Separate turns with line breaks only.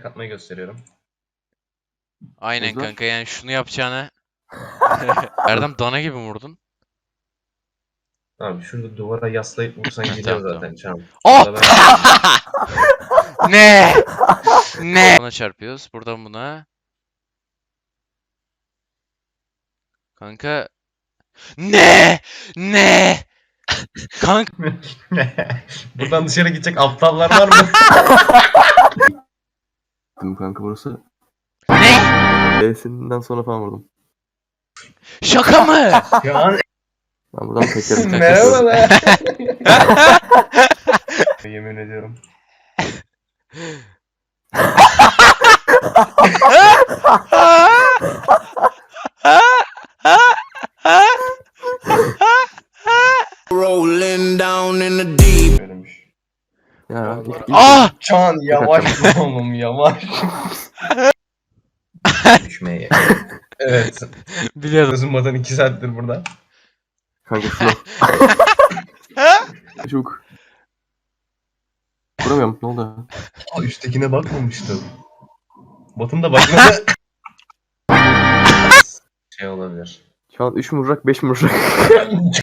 ayak atmayı gösteriyorum.
Aynen
Hızlar.
kanka, yani şunu yapacağına. Erdem dana gibi mi vurdun?
Abi şurada duvara yaslayıp vursan
Tamam,
gidiyor
tamam.
zaten çam.
Oh!
Burada ben-
Ne? Ne? Buna çarpıyoruz. Buradan buna. Kanka. Ne? Ne? Kanka.
Buradan dışarı gidecek aptallar var mı?
Dedim kanka burası.
Ne?
B'sinden sonra falan vurdum.
Şaka mı?
Şu an
Ben buradan tekerim.
merhabalar. Yemin ediyorum.
Rolling down in the deep.
Böylemiş.
Ya
Ah!
Çan yavaş oğlum yavaş. Düşmeye. Evet.
Biliyordum.
Uzunmadan 2 saattir burada.
kanka şuna. Çabuk. Vuramıyorum, ne oldu?
Aa, üsttekine bakmamıştım. Batın da bakmadı. Şey olabilir.
Şu an 3 mü vuracak 5 mi vuracak?